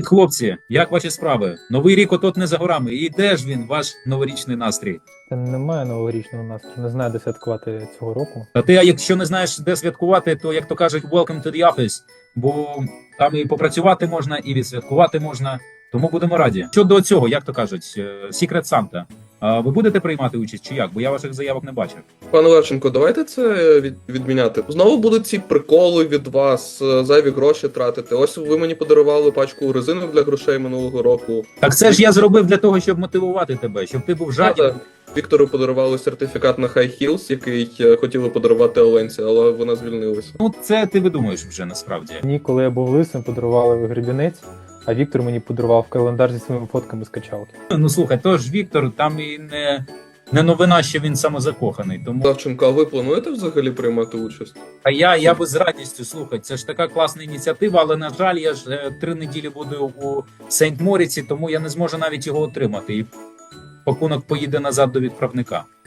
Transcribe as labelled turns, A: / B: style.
A: хлопці, як ваші справи? Новий рік отот не за горами. І де ж він, ваш новорічний настрій?
B: Та немає новорічного настрою, не знаю, де святкувати цього року.
A: Та ти, якщо не знаєш, де святкувати, то, як то кажуть, welcome to the office, бо там і попрацювати можна, і відсвяткувати можна, тому будемо раді. Щодо цього, як то кажуть, Secret Santa, ви будете приймати участь чи як? Бо я ваших заявок не бачив.
C: Пане Левченко, давайте це відміняти. Знову будуть ці приколи від вас, зайві гроші тратити. Ось ви мені подарували пачку резинок для грошей минулого року.
A: Так це ж я зробив для того, щоб мотивувати тебе, щоб ти був жадібний.
C: Віктору подарували сертифікат на High Heels, який хотіли подарувати Оленці, але вона звільнилася.
A: Ну, це ти видумуєш вже насправді.
B: Мені, коли я був лисим, подарували гребінець, а Віктор мені подарував календар зі своїми фотками з качалки.
A: Ну слухай, то ж Віктор, там і не новина, що він самозакоханий. Тому
C: Левченко, а ви плануєте взагалі приймати участь?
A: а я би з радістю, слухай, це ж така класна ініціатива, але на жаль, я ж 3 неділі буду у Сейнт-Моріці, тому я не зможу навіть його отримати. І пакунок поїде назад до відправника.